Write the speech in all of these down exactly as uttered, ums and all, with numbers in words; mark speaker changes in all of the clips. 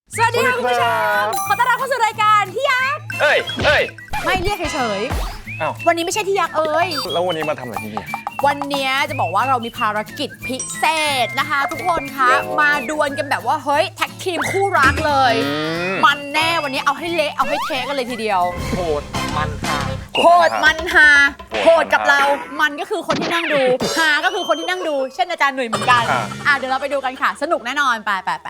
Speaker 1: สวัสดีค่ะคุณผู้ชมขอต้อนรับเข้าสู่รายการที่ยักษ์
Speaker 2: เอ้ยเอ้ย
Speaker 1: ไม่เรียกเฉยๆอ้าววันนี้ไม่ใช่ที่ยักษ์เอ้ย
Speaker 2: แล้ววันนี้มาทำอะไรที่นี่
Speaker 1: วันนี้จะบอกว่าเรามีภารกิจพิเศษนะคะทุกคนคะมาดวลกันแบบว่าเฮ้ยแท็กทีมคู่รักเลยมันแน่วันนี้เอาให้เละเอาให้เทกันเลยทีเดียว
Speaker 2: โหดมันฮา
Speaker 1: โหดมันฮาโหดกับเรามันก็คือคนที่นั่งดูฮาก็คือคนที่นั่งดูเช่นอาจารย์หนุ่ยเหมือนกันอ่ะเดี๋ยวเราไปดูกันค่ะสนุกแน่นอนไปไปไป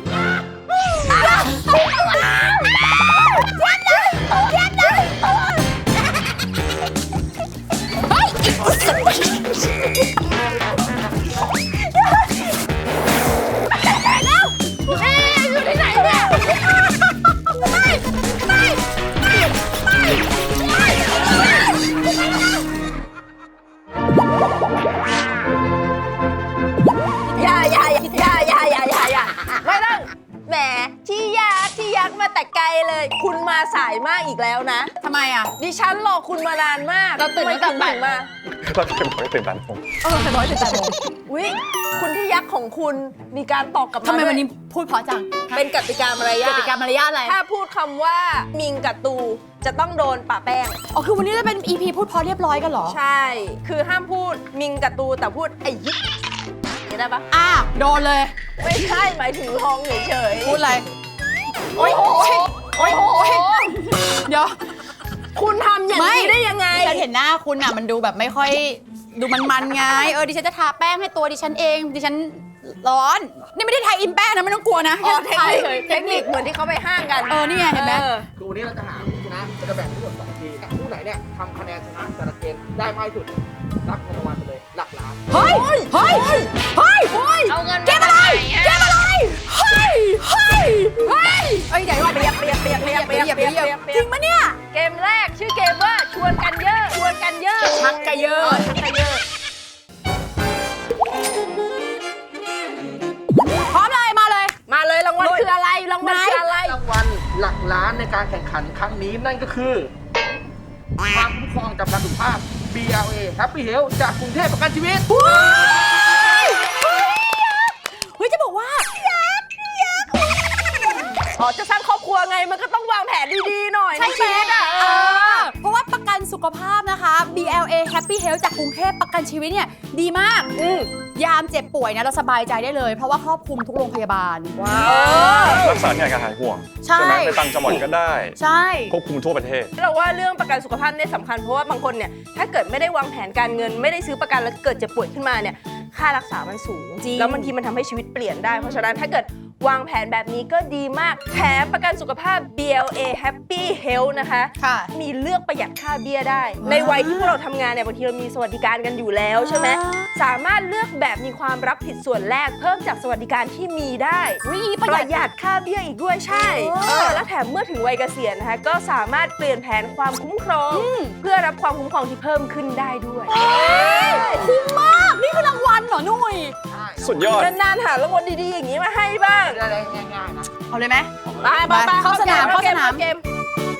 Speaker 3: แต่ไกลเลยคุณมาสายมากอีกแล้วนะ
Speaker 1: ทำไมอ่ะ
Speaker 3: ดิฉันรอคุณมานานมาก
Speaker 1: เราตื่นไม่ตื่นมา
Speaker 2: เราตื่นไม่ตื่นตันผม
Speaker 1: เออตื่นน้อยตื่นตันผม
Speaker 3: อุ๊ยคุณที่ยักษ์ของคุณมีการตอบกลับมา
Speaker 1: ทำไมวันนี้พูดเพราะจัง
Speaker 3: เป็นกติกามารยาท
Speaker 1: กติกามารยาทอะไร
Speaker 3: ถ้าพูดคำว่ามิงกับตูจะต้องโดนปะแป้ง
Speaker 1: อ๋อคือวันนี้จะเป็น อี พี พูดเพราะเรียบร้อยกันเหรอ
Speaker 3: ใช่คือห้ามพูดมิงกับตูแต่พูดไอ้ยิกได้ปะ
Speaker 1: อ่ะโดนเลย
Speaker 3: ไม่ใช่หมายถึงลองเฉย
Speaker 1: ๆพูดอะไรโอ๊ยโอ๊ยโอ๊ยโอ๊ยเดี๋ยว
Speaker 3: คุณทำอย่างนี้ได้ยังไง
Speaker 1: ฉันเห็นหน้าคุณอ่ะมันดูแบบไม่ค่อยดูมันๆไงเออดิฉันจะทาแป้งให้ตัวดิฉันเองดิฉันร้อนนี่ไม่ได้ทาอินแป้งนะไม่ต้องกลัวนะ
Speaker 3: เทคนิคเทคนิคเหมือนที่เขาไปห้างกัน
Speaker 1: เออนี่ไงเห็นไหม
Speaker 4: คือวันนี้เราจะหาผู้ชนะจะแบ่งทั้งหมดสองทีมผู้ไหนเนี่ยทำคะแนนชนะแต่ละเกมได้มากที่สุดรับเงินรางวัลไปเลยหลักล้าน
Speaker 1: เฮ้ยเฮ้ยเฮ้ยเฮ้ย
Speaker 3: เอาเงิน
Speaker 1: เกมอะไรเกมอะไรเฮ้ยเฮ้ยเฮ้ยเอ้ยเดี๋ยวเปียกเปียกเปียกเปียกเปียกเปียกเปียกจริงปะเนี่ย
Speaker 3: เกมแรกชื่อเกมว่าชวนกันเยอะชวนกันเยอะ
Speaker 1: ชักกะเยอะ
Speaker 3: ชักกะเยอะ
Speaker 1: พร้อมเลยมาเลย
Speaker 3: มาเลยรางวัลคืออะไรรางวัลคืออะไร
Speaker 4: รางวัลหลักล้านในการแข่งขันครั้งนี้นั่นก็คือความคุ้มครองจำกัดสุขภาพ บี แอล เอ Happy Health จากกรุงเทพประกันชีวิต
Speaker 1: เฮ้ยจะบอกว่า
Speaker 3: อ๋อจะสร้างครอบครัวไงมันก็ต้องวางแผนดีๆหน่อย
Speaker 1: ใช่ไหมอ่ะเพราะว่าประกันสุขภาพนะคะ บี แอล เอ Happy Health จากกรุงเทพประกันชีวิตเนี่ยดีมากยามเจ็บป่วยนะเราสบายใจได้เลยเพราะว่าครอบคลุมทุกโรงพยาบาล
Speaker 3: ว้าว
Speaker 2: รักษาเนี่ยการหายห่วงใช่ไหมไปต่างจังหวัดก็ได้
Speaker 1: ใช่
Speaker 2: ควบคุมทั่วประเทศ
Speaker 3: เราว่าเรื่องประกันสุขภาพเนี่ยสำคัญเพราะว่าบางคนเนี่ยถ้าเกิดไม่ได้วางแผนการเงินไม่ได้ซื้อประกันแล้วเกิดเจ็บป่วยขึ้นมาเนี่ยค่ารักษามันสูงแล้วบางทีมันทำให้ชีวิตเปลี่ยนได้เพราะฉะนั้นถ้าเกิดวางแผนแบบนี้ก็ดีมากแถมประกันสุขภาพ บี แอล เอ Happy Health นะคะมีเลือกประหยัดค่าเบี้ยได้ในวัยที่พวกเราทำงานเนี่ยบางทีเรามีสวัสดิการกันอยู่แล้วใช่ไหมสามารถเลือกแบบมีความรับผิดส่วนแรกเพิ่มจากสวัสดิการที่มีได้ประหยัดค่าเบี้ยอีกด้วยใช่เออแล้วแถมเมื่อถึงวัยเกษียณนะคะก็สามารถเปลี่ยนแผนความคุ้มครองเพื่อรับความคุ้มครองที่เพิ่มขึ้นได้ด้วย
Speaker 1: คุ้มมากนี่คือรางวัลเหรอนุ่ย
Speaker 2: สุดยอด
Speaker 3: นานๆหารางวัลดีๆอย่างนี้มาให้บ้าง
Speaker 4: ได้ง่ายๆนะ
Speaker 1: เอาเลยไหม
Speaker 3: ไปไปไป
Speaker 1: เข้าสนามเข้าสนาม
Speaker 3: เกม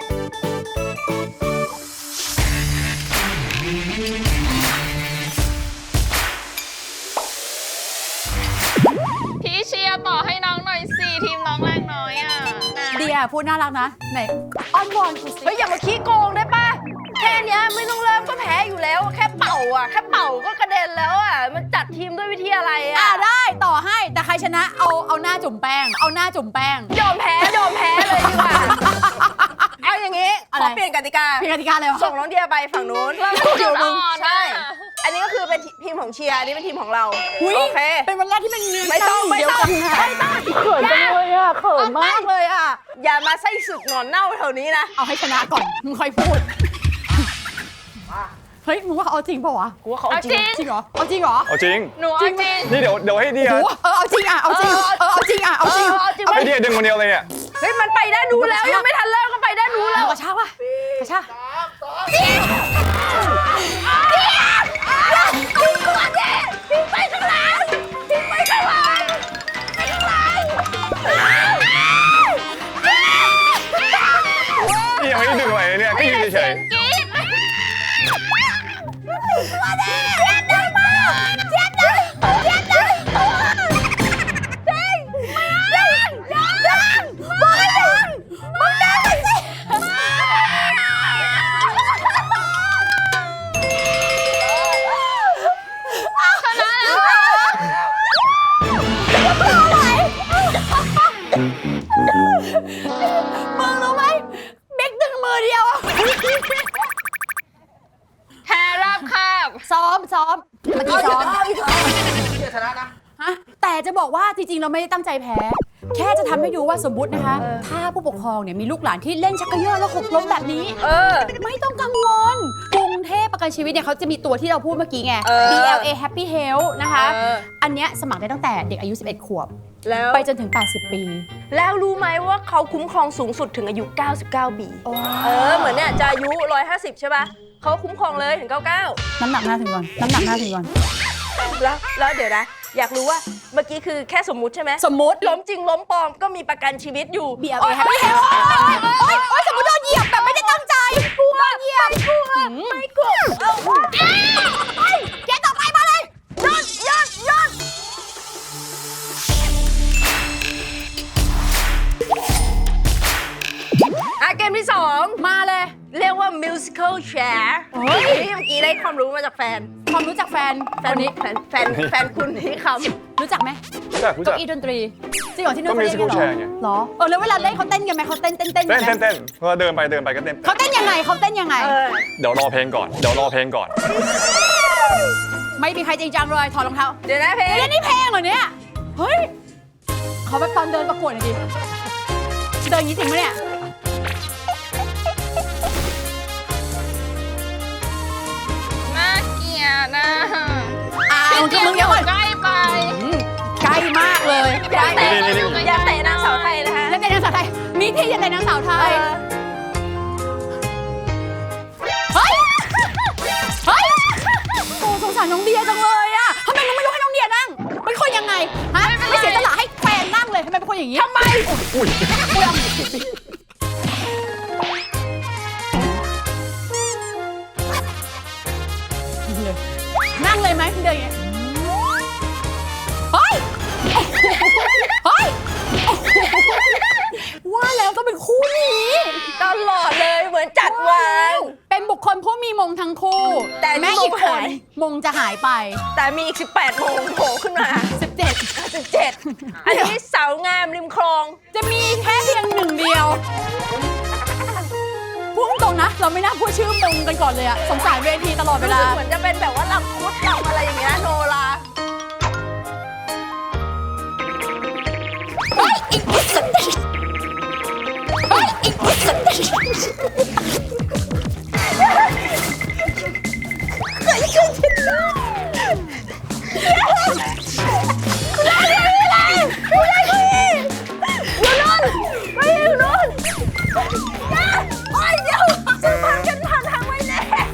Speaker 5: พี่เชียร์ต่อให้น้องหน่อยสิทีมน้องแรงน้อยอ่ะ
Speaker 1: เดียพูดน่ารักนะไหนอ้อนวอนกูสิ
Speaker 3: เฮ้ยอย่ามาขี้โกงได้ปะแค่นี้ไม่ต้องเริ่มก็แพ้อยู่แล้วแค่เป่าอ่ะแค่เป่าก็กระเด็นแล้วอ่ะมันจัดทีมด้วยวิธีอะไรอ่ะ
Speaker 1: อ่ะได้ต่อให้แต่ใครชนะเอาเอาหน้าจุ่มแป้งเอาหน้าจุ่มแป้ง
Speaker 3: ยอมแพ้ยอมแพ้เลยดีกว่าเอาอย่างงี้ขอเปลี่ยนกติกา
Speaker 1: เปลี่ยนกติกาเลย
Speaker 3: ส่งน้องเดียไปฝั่งนู้น
Speaker 5: เดี๋ยวมึง
Speaker 3: ใช่อันนี้ก็คือเป็นทีมของเชียร์อันนี้เป็นทีมของเรา
Speaker 1: โอ
Speaker 3: เค
Speaker 1: เป็นวันแรกที่เป็นเนื้อ
Speaker 3: ไม่ต้องไม่ต้องไม่ต้อง
Speaker 1: เขินจังเลยอ่ะเขินมากเลยอ่ะ
Speaker 3: อย่ามาไส้สึกหนอนเน่าแถวนี้นะ
Speaker 1: เอาให้ชนะก่อนมึงค่อยพูดเฮ้ยมึงว่าเขาเอาจริงเปล่าวะ
Speaker 3: กูว่าเขาเอาจริง
Speaker 1: จริงเหรอเอาจริงเหรอ
Speaker 2: เอาจริง
Speaker 5: หนูเอาจริง
Speaker 2: นี่เดี๋ยวเดี๋ยวให้เดีย
Speaker 1: เออเอาจริงอ่ะเอาจริงเออเอาจริงอ่ะเอาจริง
Speaker 2: ให้เดียดึงคนเดียวเลยเนี่ย
Speaker 3: เฮ้ยมันไปได้ดูแล้วยังไม่ทันเริ่มก็ไปได้ดูแล้ว
Speaker 1: กระชากว่ะกระชาก
Speaker 3: ทิ้งก่อนดิทิ้งไปข้างหลังทิ้งไปข้างหลังไปข้างหลัง
Speaker 2: นี่ยังไม่ได้ดึงอะไรเนี่ยก็ยืนเฉย
Speaker 3: ตัวดิเจ็บได้มากเจ็บได้เจ็บได้จริงไม่เอายังยัง
Speaker 1: มึงรู้ไหมเบกดึงมือเดียวอะ
Speaker 5: แพ้ราบคาบ
Speaker 1: ซ้อมซ้อมเมื่อกี้ซ้อม
Speaker 4: เชื่อชนะนะ
Speaker 1: ฮะแต่จะบอกว่าจริงๆเราไม่ได้ตั้งใจแพ้ แค่จะทำให้ดูว่าสมมตินะคะ ถ้าผู้ปกครองเนี่ยมีลูกหลานที่เล่นชักเกยอแล้วหกล้มแบบนี้
Speaker 3: เออ
Speaker 1: ไม่ต้องกังวลกรุงเทพประกันชีวิตเนี่ยเขาจะมีตัวที่เราพูดเมื่อกี้ไง
Speaker 3: เออ
Speaker 1: บี แอล เอ Happy Health นะคะ
Speaker 3: เออ
Speaker 1: อันเนี้ยสมัครได้ตั้งแต่เด็กอายุ สิบเอ็ด ขวบ
Speaker 3: แล้ว
Speaker 1: ไปจนถึง แปดสิบ ปี
Speaker 3: แล้วรู้ไหมว่าเขาคุ้มครองสูงสุดถึงอายุ เก้าสิบเก้า ปี เออ เหมือนเนี่ยจะอายุ หนึ่งร้อยห้าสิบ ใช่ป่ะเขาคุ้มครองเลยถึง เก้าสิบเก้า
Speaker 1: น้ำหนักหน้าถึงก่อน น้ำหนักหน้าถึงก่อน
Speaker 3: แล้วแล้วเดี๋ยวนะ อยากรู้ว่าเมื่อกี้คือแค่สมมุติใช่ไหม
Speaker 1: สมมุติ
Speaker 3: ล้มจริงล้มปลอมก็มีประกันชีวิตอยู่
Speaker 1: บี แอล เอ Happy Health โอ๊ยโอ๊ยสมมติโดนเหยียบแบบไม่ได้ตั้งใจกลัวเหยียบกลัวไม่กลัวเอาไปแกต่อไปมาเลยยอดยอดยอด
Speaker 3: อ่ะเกมที่สอง
Speaker 1: มาเลย
Speaker 3: เรียกว่า musical chair
Speaker 1: เฮ้ย
Speaker 3: นี่เมื่อกี้ได้ความรู้มาจากแฟน
Speaker 1: ความรู้จักแฟน
Speaker 3: แฟ
Speaker 1: คน นนี้
Speaker 3: แฟนแฟนแฟนคุณที่คำ
Speaker 1: รู้จักไหม
Speaker 2: รู้จักรู้จั
Speaker 1: เก้าก อี้ดนตรีจริงเหรอที่นู่น
Speaker 2: ก็
Speaker 1: เขาเล่นกัน
Speaker 2: musical
Speaker 1: เหรอ
Speaker 2: chair ไง
Speaker 1: เหรอเออแล้วเวลาเล่นเขาเต้นกันไหมเขาเต้นเต้นเต้น
Speaker 2: เต้น
Speaker 1: ไหม
Speaker 2: เต้นเต้นพอเดินไปเดินไปก็เต้น
Speaker 1: เขาเต้นยังไงเขาเต้นยังไง
Speaker 3: เออ
Speaker 2: เดี๋ยวรอเพลงก่อน เดี๋ยวรอเพลงก่อน
Speaker 1: ไม่มีใครจริงจังเลยถอดรองเท้า
Speaker 3: เดี๋ยวนะเพลง
Speaker 1: เดี๋ยวนี่เพลงเหรอเนี่ยเฮ้ยเขาแบบตอนเดินประกวดหน่อยดิเดินอย่างนี้จริงไหมเนี่ย
Speaker 5: น่าเกลียดนะ
Speaker 1: อ้าว
Speaker 5: พี่
Speaker 1: มึง
Speaker 5: อ
Speaker 1: เดี๋ยวก่อน
Speaker 5: ใกล้ไป
Speaker 1: อืมใกล้มากเลย
Speaker 3: อย่าเตะ
Speaker 2: นี่นี่นี่
Speaker 3: อย่าเตะนางสาวไทยนะคะ
Speaker 1: แล้วเป็นนางสาวไทยมีที่ยังไงนางสาวไท
Speaker 3: เอย อ
Speaker 1: เฮ้ยเฮ้ยโอ้สงสารน้องเดียจังเลยอะทำไมมึงไม่รู้ให้น้องเดียนั่งเป็นคนยังไงฮะไม่เสียสละให้แฟนนั่งเลยทำไมเป็นคนอย่างนี้ทำไม
Speaker 2: อุ้ย
Speaker 1: กูยอมนั่งเลยไหมเดินอย่างเงี้ยเฮ้ยเฮ้ยว่าแล้วต้องเป็นคู่นี้
Speaker 3: ตลอดเลยเหมือนจัดวาง
Speaker 1: เป็นบุคคลผู้มีมงทั้งคู่
Speaker 3: แต่มี
Speaker 1: แม้อีก
Speaker 3: มง
Speaker 1: ค
Speaker 3: หาน ย
Speaker 1: มงจะหายไป
Speaker 3: แต่มีอีก สิบแปดโมงโผล่ขึ้นมา
Speaker 1: สิบเจ็ด
Speaker 3: สิบเจ็ด อันนี้สาวงามริมคลอง
Speaker 1: จะมีแค่เพียงหนึ่งเดียวพูดตรงๆนะ เราไม่น่าพูดชื่อมงกันก่อนเลยอะสงสารเวทีตลอดเว
Speaker 3: รู้
Speaker 1: ลา
Speaker 3: สึกเหมือนจะเป็นแบบว่าลำคุดลำอะไรอย่างเงี้ยโนรา
Speaker 1: เฮ้ยอีกนิดสุดเฮ้ยอีกนิดสุดเคยเคยคิดนะคุณได้เลยไม่ได้ไม่ได้อยู่นู่นไม่อยู่นู่นโอ้ยเดี๋ยวจะพันกันผ่านทางไว้แน่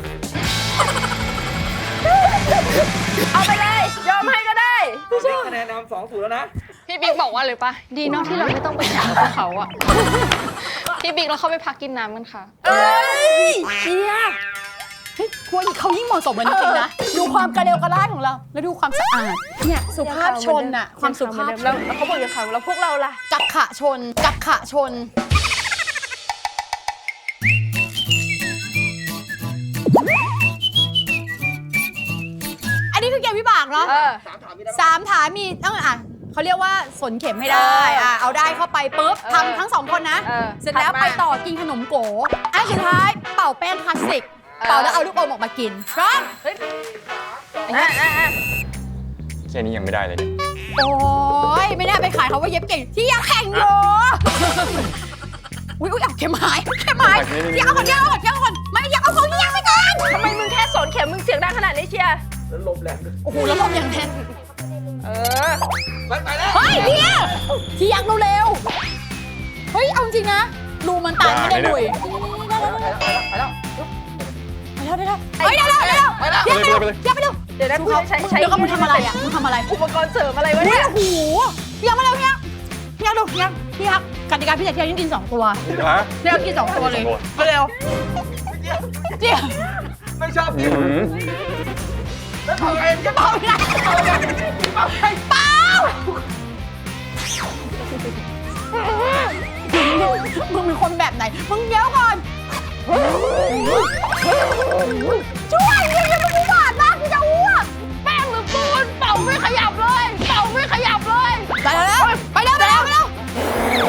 Speaker 3: เอาไปเลย ยอมให้ก็ได้
Speaker 4: ตอนนี้คะแนนนำสองศูนย์แล้วนะ
Speaker 5: พี่บิ๊กบอกว่าเลยปะดีเนาะที่เราไม่ต้องไปถามพวกเขาอะพี่บิ๊กเราเข้าไปพักกินน้ำกันค่ะ
Speaker 1: เอ้ยเชียเฮ้ยควรเขายิ่งเหมาะสมกันจริงๆนะ ดูความกระเดวกระล่ายของเรา แล้วดูความสะอาด เนี่ยสุภาพชนอะความสุภาพช
Speaker 3: แล้ว
Speaker 1: น
Speaker 3: แล้วเขาบอกอย่าขังแล้วพวกเราล่ะ
Speaker 1: กักขะชน กักขะชน อันนี้คือเกมวิบากเนาะ
Speaker 3: เออ
Speaker 4: สามถามมีได้ไหม
Speaker 1: สามถามมีต้องอ่ะเขาเรียกว่าสนเข็มให้ได้อ่ะเอาได้เข้าไปปุ๊บ
Speaker 3: เออ
Speaker 1: ทำทั้งสองคนนะ
Speaker 3: เออ
Speaker 1: เสร็จแล้ว
Speaker 3: ถัดมา
Speaker 1: ไปต่อกินขนมโกอันสุดท้ายเป่าแป้งพลาสติก เป่าแล้วเอาลูกอมออกมากินพร้อม
Speaker 3: เฮ้ยอ่ะอ่ะอ่ะ
Speaker 2: แค่นี้ยังไม่ได้เลยเนี่ย
Speaker 1: โอ้ยไม่น่าไปขายเขาว่าเย็บเก่งที่ยังแข่งอยู่อุ้ยอุ้ยเอาเข็มหายเข็มหายที่เอาก่อนที่เอาก่อนที่เอาก่อนไม่อยากเอาของที่ยังไปก่อน
Speaker 3: ทำไมมึงแค่สอนเข็มมึงเสียงดังขนาดนี้เชียร์
Speaker 4: แล้วลมแรงด้วย
Speaker 1: โอ้โหแล้วลมอย่างแน่น
Speaker 3: เออ
Speaker 4: ไปไปแล้ว
Speaker 1: เฮ้ยเนี่ยที่ยังเร็วๆเฮ้ยเอาจริงนะรูมันตันไม่ได้ดุย
Speaker 4: ไปแล้วไปแล้ว
Speaker 1: ไปแล้วได้แล้วเฮ้ยได้แล้วได้แล้ว
Speaker 4: ไปแล้ว
Speaker 1: เดี๋ยวไปเร็วเดี๋ยวไปเร็ว
Speaker 3: เดี๋ยวนะกูใช้ใช้
Speaker 1: เดี๋ยวก็มึงทำอะไรอ่ะมึงทำอะไร
Speaker 3: อุปกรณ์เสริมอะไรวะ
Speaker 1: อุ้ย
Speaker 3: เนี่ย
Speaker 1: โอ้โหพี่ยังมาเร็วพี่ยังพี่ยังดูพี่ยังพี่ยังกติกาพี่จะเที่ยวยิ่งกินสองตัว
Speaker 2: ฮะ
Speaker 1: เที่ยวกินสองตัวเลยมาเร็วเจี๊ยบ
Speaker 4: ไม่ชอบ
Speaker 2: อื
Speaker 4: กิน
Speaker 2: ม
Speaker 4: แล้วทำไงจะ
Speaker 1: เปล่าไม่ได้เปล่าเปล่ามึงเป็นคนแบบไหนมึงเดี๋ยวก่อนช่วยยังยังไม่หวานมากที่จะอ้วก
Speaker 5: แป้งหรือปูนเป่าไม่ขยับเลยเป่าไม่ขยับเลย
Speaker 1: ไปแล้วไปแล้วไปแล้วไปแล้วไปแล้ว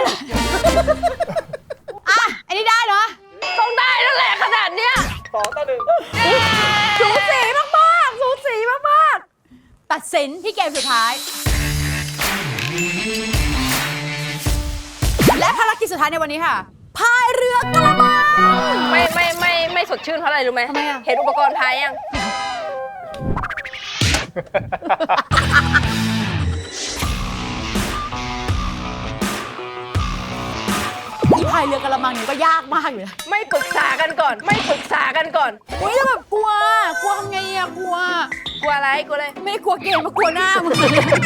Speaker 1: เลยอ่ะอันนี้ได้เนาะ
Speaker 3: ต้องได้แล้วแหละขนาดเนี้ย
Speaker 4: สองต่อหนึ่ง
Speaker 3: สูสีมากๆสูสีมาก
Speaker 1: ตัดสินที่เกมสุดท้าย และภารกิจสุดท้ายในวันนี้ค่ะพายเรือกระมัง
Speaker 3: ๆไม่ไม่ไม่ไม่สดชื่นเพราะอะไรรู้ไหม
Speaker 1: ทำไมอะ
Speaker 3: เห็นอุปกรณ์พายยัง
Speaker 1: อีพายเรือกระมังเนี่ยก็ยากมากอยู่นะ
Speaker 3: ไม่ปรึกษากันก่อน ไม่ปรึกษากันก่อน
Speaker 1: อุ้ยแล้วแบบกลัว กลัวทำไงอะกลัว
Speaker 3: กลัวอะไรกลัวอะไร
Speaker 1: ไม่ได้กลัวเกมมากลัวหน้ามึง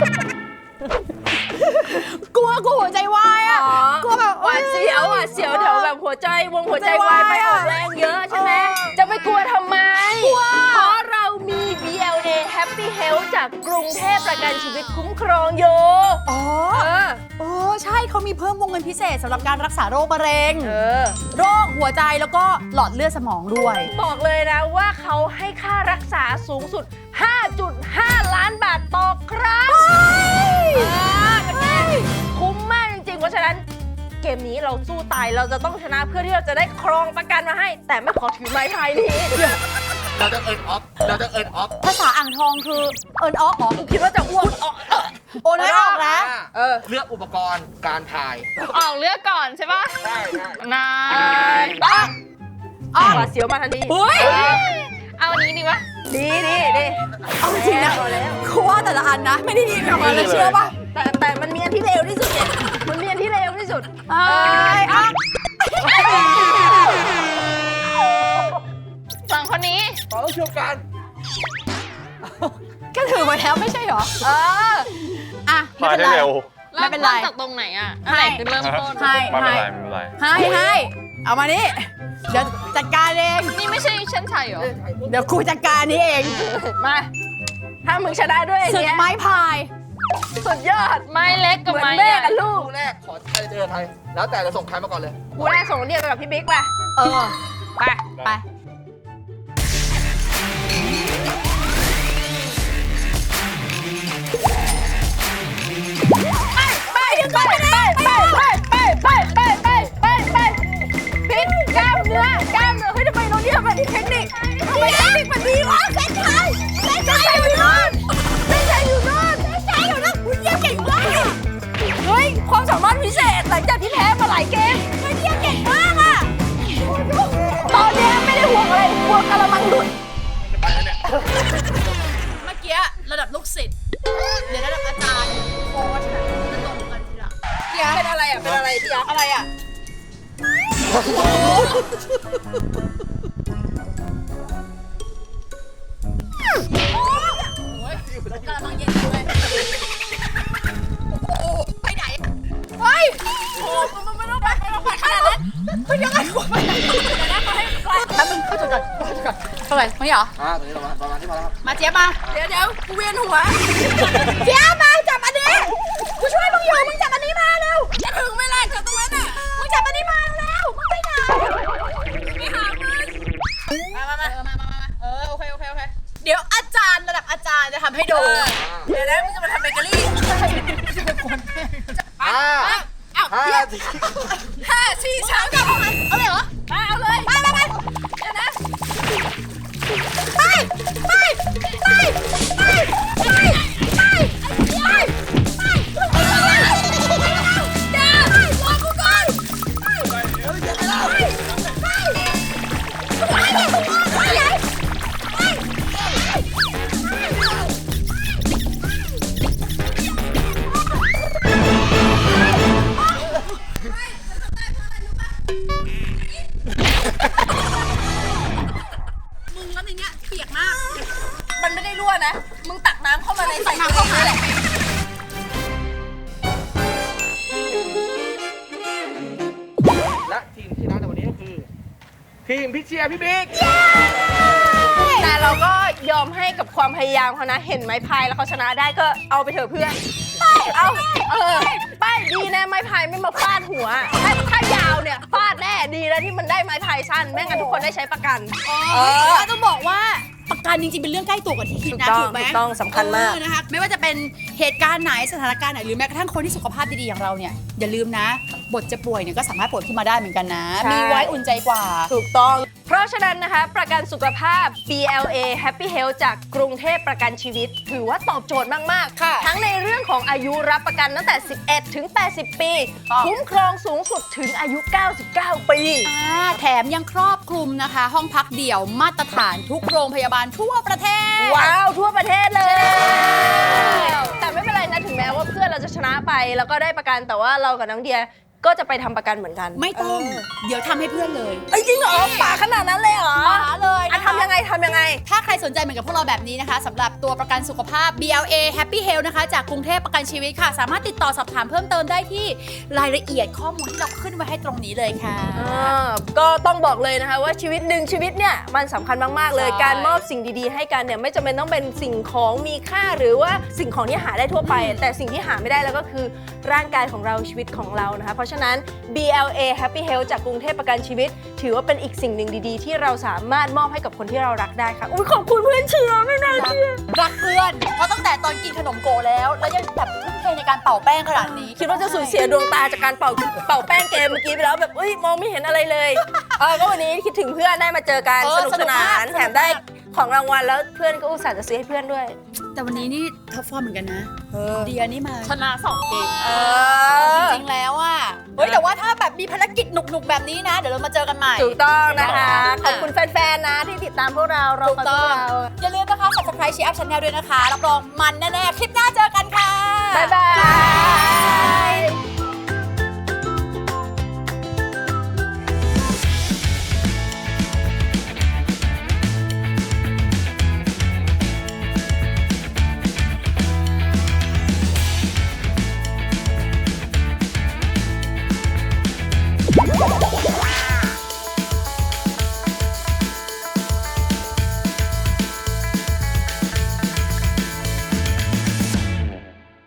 Speaker 1: กลัวกลัวหัวใจวายอะกลัวแบบ
Speaker 3: หวาดเสียวหวาดเสียวเดี๋ยวแบบหัวใจวงหัวใจวายไปออกแรงเยอะใช่ไหม
Speaker 1: เออ
Speaker 3: จะไปกลัวทำไม เพราะเรามี บี แอล เอ Happy Health จากกรุงเทพประกันชีวิตคุ้มครองอยู่
Speaker 1: อ๋อ
Speaker 3: เออ
Speaker 1: โอ้ใช่เขามีเพิ่มวงเงินพิเศษสำหรับการรักษาโรคมะเร็ง
Speaker 3: เออ
Speaker 1: โรคหัวใจแล้วก็หลอดเลือดสมองด้วย
Speaker 3: บอกเลยนะว่าเขาให้ค่ารักษาสูงสุด ห้าจุดห้า ล้านบาทต่อครั้งเออเป็นไงคุ้มมากจริงๆ เพราะฉะนั้นเกมนี้เราสู้ตายเราจะต้องชนะเพื่อที่เราจะได้ครองประกันมาให้ แต่ไม่ขอถือไม้พายนี้
Speaker 4: เราจะเอิร์นออฟเราจะเอิร์นออฟ
Speaker 1: ภาษาอ่างทองคือเอิญออกเหรอ
Speaker 3: คิดว่าจะอ้วกออก
Speaker 1: โอนไม่ออกนะ
Speaker 3: เออ
Speaker 4: เลือกอุปกรณ์การถ่าย
Speaker 5: ออกเลือกก่อนใช่ปะ
Speaker 4: ได้ได้
Speaker 5: นาย
Speaker 3: อ่ะ
Speaker 1: อ้าว
Speaker 3: หวาดเสียวมาทันที
Speaker 1: เฮ้ย
Speaker 5: เอาอันนี้ดีวะ
Speaker 3: ดีดีดี
Speaker 1: เอาจริงนะ
Speaker 3: เอาแล้ว
Speaker 1: คือว่าแต่ละอันนะ ไม่ได้ดีแบบมาเลยเชื่อป่ะ
Speaker 3: แต่แต่มันมีอันที่เร็วที่สุดเนี่ยมันมีอันที่เร็วที่สุด
Speaker 1: เอ้ยอ่ะ
Speaker 5: สองคนนี้
Speaker 4: ขอต้องช่วยกัน
Speaker 1: ก็ถือมาแล้วไม่ใช่เหรอ
Speaker 3: เออ
Speaker 1: อ่ะ ไม่
Speaker 2: พาย
Speaker 1: เป็น
Speaker 2: ได้
Speaker 1: ไร
Speaker 2: เร็ว
Speaker 1: ไม่เป็นไร
Speaker 5: ริ่ต้จากตรงไหนอ่ะอันไหนคือเริ่มต้น
Speaker 1: ให้
Speaker 2: ไม่เป็นไรไม่เป็นไร
Speaker 1: ให้ให้เอามานี่ เดี๋ยวจัดการเอง
Speaker 5: นี่ไม่ใช่เช่นชัยเหรอ
Speaker 1: เดี๋ยวครูจัดการนี้เอง
Speaker 3: มา ถ้ามึงชนะด้วยไอ้
Speaker 1: ศึก
Speaker 3: เนี้ย
Speaker 1: ไม้พาย
Speaker 3: สุดยอด
Speaker 5: ไม้เล็กกับ
Speaker 3: เหมือน
Speaker 5: ไม้
Speaker 3: แม่
Speaker 5: ใหญ่
Speaker 3: กับลูก
Speaker 4: คู่แรกขอใครเจอใครแล้วแต่จะส่งใครมาก่อนเลย
Speaker 3: กูแรกส่งเรียกไปกับพี่บิ๊กไป
Speaker 1: เออ
Speaker 3: ไป
Speaker 1: ไป
Speaker 3: ไปไปไปไปไปไปไปไปไปไปไปพิษกล้ามเนื้อกล้ามเนื้อเฮ้ยทำไมเราเนี่ยแบบเทคนิคทำไมเทคนิคมันดีวะเส้นชัยเส้นชัยอยู่นู่นเส้นชัยอยู่นู่นเส้นชัยอยู่นู่นคุณเยี่ยมเก่งมากเฮ้ยความสามารถพิเศษหลังจากที่แพ้มาหลายเกมเฮ้ยเยี่ยมเก่งมากอ่ะตอนนี้ไม่ได้ห่วงอะไรห่วงกระมังหลุด
Speaker 1: เมื่อกี้ระดับลูกศิษย์เดี๋ยวระดับอาจารย์โค้ชนะจะตรงกันทีหลัง
Speaker 3: เป็นอะไรอ่ะเป็นอะไรพี่ยักษ์
Speaker 1: อะไรอ่ะ กำลังเย็นเลยโอ้ไปไหนเฮ้ยโอ้มึงไม่ต้องไปไม่ต้องไปขนาดนั้นไม่ยังไงกูไปไหนเดี๋ยวนะเขาให้ใครแป๊บนึงเข้าจุดก่อนเข้าจุดก่อนเท่าไหร่ไม่เหรอ
Speaker 4: อ่าตอนนี้เรามาประมาณที่มาแล้วครับ
Speaker 1: มาเจี๊ยบมา
Speaker 3: เดี๋ยวเดี๋ยวกูเวียนหัว
Speaker 1: เจี๊ยบมาจับอันนี้กูช่วยมึงอยู่มึงจับอันนี้มาเร็ว
Speaker 3: จะถึงไม่ล่ะจะตรงนั้นอ่ะ
Speaker 1: มึงจับอันนี้มาเร็วมึงไปไหน
Speaker 3: ไม่หามึง
Speaker 1: มามามาเออมามามาเออโอเคโอเคโอเคเดี๋ยวอาจารย์ระดับอาจารย์จะทำให้ดู
Speaker 3: เดี๋ยวนะมึงจะมาทำเบเกอรี่
Speaker 4: ห้า
Speaker 3: อ้าว
Speaker 4: ห้า
Speaker 3: เดี๋ยว
Speaker 4: สี่
Speaker 3: ห้าสี่สามสอง
Speaker 1: เอาเลยเหรอ
Speaker 3: ไปเอาเลย
Speaker 1: ไปไปไป
Speaker 3: เดี๋ยวนะ
Speaker 1: ไปไปไปไปไปไปไปเดี๋ยวรอกูก่อนไปไปไปไป มึงแล้วในเนี้ยเปียกมาก
Speaker 3: มันไม่ได้รั่วนะ มึงตักน้ำเข้ามาในใส่น้ำเข้ามาแหละ
Speaker 4: และทีมที่ชนะในวันนี้ก็คือ ทีมพี่เชียร์พี่บิ๊ก
Speaker 3: แต่เราก็ยอมให้กับความพยายามเขานะ เห็นไม้พายแล้วเขาชนะได้ก็เอาไปเถอะเพื่อนเอาเออไปดีนะไม้พายไม่มาฟาดหัว ถ้าถ้ายาวเนี่ยฟาดแน่ดีนะที่มันได้ไม้พายสั้นแม่งั้นทุกคนได้ใช้ประกัน
Speaker 1: เออต้องบอกว่าประประกันจริงๆเป็นเรื่องใกล้ตัวกว่าที่คิดนะ
Speaker 3: ถู
Speaker 1: ถู
Speaker 3: ก
Speaker 1: กไหม
Speaker 3: ต้องถูกต้องสำคัญมาก
Speaker 1: เออนะคะไม่ว่าจะเป็นเหตุการณ์ไหนสถานการณ์ไหนหรือแม้กระทั่งคนที่สุขภาพดีๆอย่างเราเนี่ยอย่าลืมนะบทจะป่วยเนี่ยก็สามารถป่วยขึ้นมาได้เหมือนกันนะ
Speaker 3: ใช่
Speaker 1: มีไว้อุ่นใจกว่า
Speaker 3: ถูกต้อง เพราะฉะนั้นนะคะประกันสุขภาพ บี แอล เอ Happy Health จากกรุงเทพประกันชีวิต ถือว่าตอบโจทย์มาก
Speaker 1: ค่ะ
Speaker 3: ๆ ทั้งในเรื่องของอายุรับประกันตั้งแต่ สิบเอ็ด ถึง แปดสิบ ปี
Speaker 1: ครับ
Speaker 3: คุ้มครองสูงสุดถึงอายุ เก้าสิบเก้า ปี
Speaker 1: อ่าแถมยังครอบคลุมนะคะ ห้องพักเดี่ยวมาตรฐานทุกโรงพยาบาลทั่วประเทศ
Speaker 3: ว้าว ทั่วประเทศเลย
Speaker 1: ใช่แล้ว
Speaker 3: แต่ไม่เป็นไรนะ ถึงแม้ว่าเพื่อนเราจะชนะไปแล้วก็ได้ประกันแต่ว่าเรากับน้องเดียก็จะไปทำประกันเหมือนกัน
Speaker 1: ไม่ต้อง เดี๋ยวทำให้เพื่อนเลย
Speaker 3: เอ้ยจริงเหรอป่าขนาดนั้นเลยเหรอ
Speaker 1: มาเลย
Speaker 3: อ่ะ
Speaker 1: นะคะ
Speaker 3: ทำยังไงทำยังไง
Speaker 1: ถ้าใครสนใจเหมือนกับพวกเราแบบนี้นะคะสำหรับตัวประกันสุขภาพ บี แอล เอ Happy Health นะคะจากกรุงเทพประกันชีวิตค่ะ สามารถติดต่อสอบถามเพิ่มเติมได้ที่รายละเอียดข้อมูลที่เราขึ้นไว้ให้ตรงนี้เลยค่ะ
Speaker 3: อ่าก็ต้องบอกเลยนะคะว่าชีวิตหนึ่งชีวิตเนี่ยมันสำคัญมากๆเลย
Speaker 1: ใช่
Speaker 3: การมอบสิ่งดีๆให้กันเนี่ยไม่จำเป็นต้องเป็นสิ่งของมีค่าหรือว่าสิ่งของที่หาได้ทั่วไป แต่สิ่งที่หาไม่ได้แล้วก็คือร่างกายของเราชีวิตของเรานะคะเพราะฉะนั้น บี แอล เอ Happy Health จากกรุงเทพประกันชีวิต ถือว่าเป็นอีกสิ่งหนึ่งดีๆ ที่เราสามารถมอบให้กับคนที่เรารักได้ค่ะอุ้ยขอบคุณเพื่อนเชียร์ไม่น่าเชื่อ
Speaker 1: รักเพื่อนเพราะตั้งแต่ตอนกินขนมโกแล้ว แล้วยังแบบทุ่มเทในการเป่าแป้งขนาดนี้
Speaker 3: คิดว่าจะสูญเสียดวงตาจากการเป่าเป่าแป้งเกมเมื่อกี้ไปแล้วแบบเอ้ยมองไม่เห็นอะไรเลยเออก็วันนี้คิดถึงเพื่อนได้มาเจอกัน
Speaker 1: เออ
Speaker 3: สนุกสนาน
Speaker 1: สนุกมาก
Speaker 3: แถมได้ของรางวัลแล้วเพื่อนก็อุตส่าห์จะซื้อให้เพื่อนด้วย
Speaker 1: แต่วันนี้นี่ท็อปฟอร์มเหมือนกันนะ
Speaker 3: เออ
Speaker 1: เดียนี่มาชนะสองเกม
Speaker 3: เอ
Speaker 1: จ
Speaker 3: อ
Speaker 1: ริงๆแล้วอ่ะเฮ้ยแต่ว่าถ้าแบบมีภารกิจหนุกๆแบบนี้นะ เดี๋ยวเรามาเจอกันใหม่
Speaker 3: ถูกต้องนะคะ
Speaker 1: ค่ะ
Speaker 3: ขอบคุณแฟนๆนะที่ติดตามพวกเราเรา
Speaker 1: ถูก
Speaker 3: ฟังพ
Speaker 1: ต้
Speaker 3: ว
Speaker 1: อก ง
Speaker 3: เรา
Speaker 1: อย่าลืมนะคะ Subscribe ชีอัพชาแนลด้วยนะคะรับรองมันแน่ๆคลิปหน้าเจอกันค่ะ
Speaker 3: บ๊ายบาย